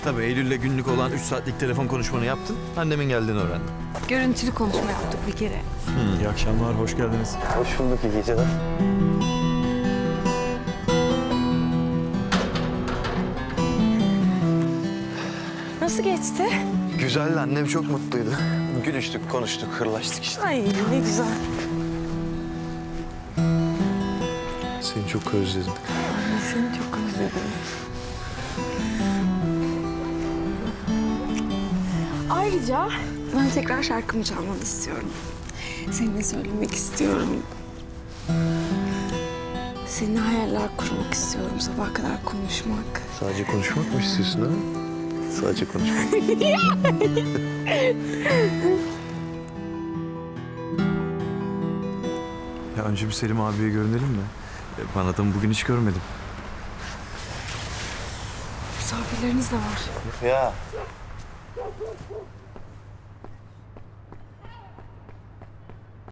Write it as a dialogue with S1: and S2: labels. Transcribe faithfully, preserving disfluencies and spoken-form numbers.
S1: Tabii Eylül'le günlük olan üç saatlik telefon konuşmanı yaptın. Annemin geldiğini öğrendim.
S2: Görüntülü konuşma yaptık bir kere.
S3: İyi akşamlar, hoş geldiniz.
S1: Hoş bulduk, iyi geceler.
S2: Nasıl geçti?
S1: Güzeldi, annem çok mutluydu. Gülüştük, konuştuk, hırlaştık işte.
S2: Ay ne güzel.
S1: Seni çok özledim.
S2: Seni çok özledim. Ayrıca ben tekrar şarkımı çalmanı istiyorum. Seninle söylemek istiyorum. Seninle hayaller kurmak istiyorum. Sabaha kadar konuşmak.
S1: Sadece konuşmak mı istiyorsun ha? Sadece konuşmak. Ya önce bir Selim abiye görünelim mi? Ben adamı bugün hiç görmedim.
S2: Misafirleriniz de var.
S1: Ya.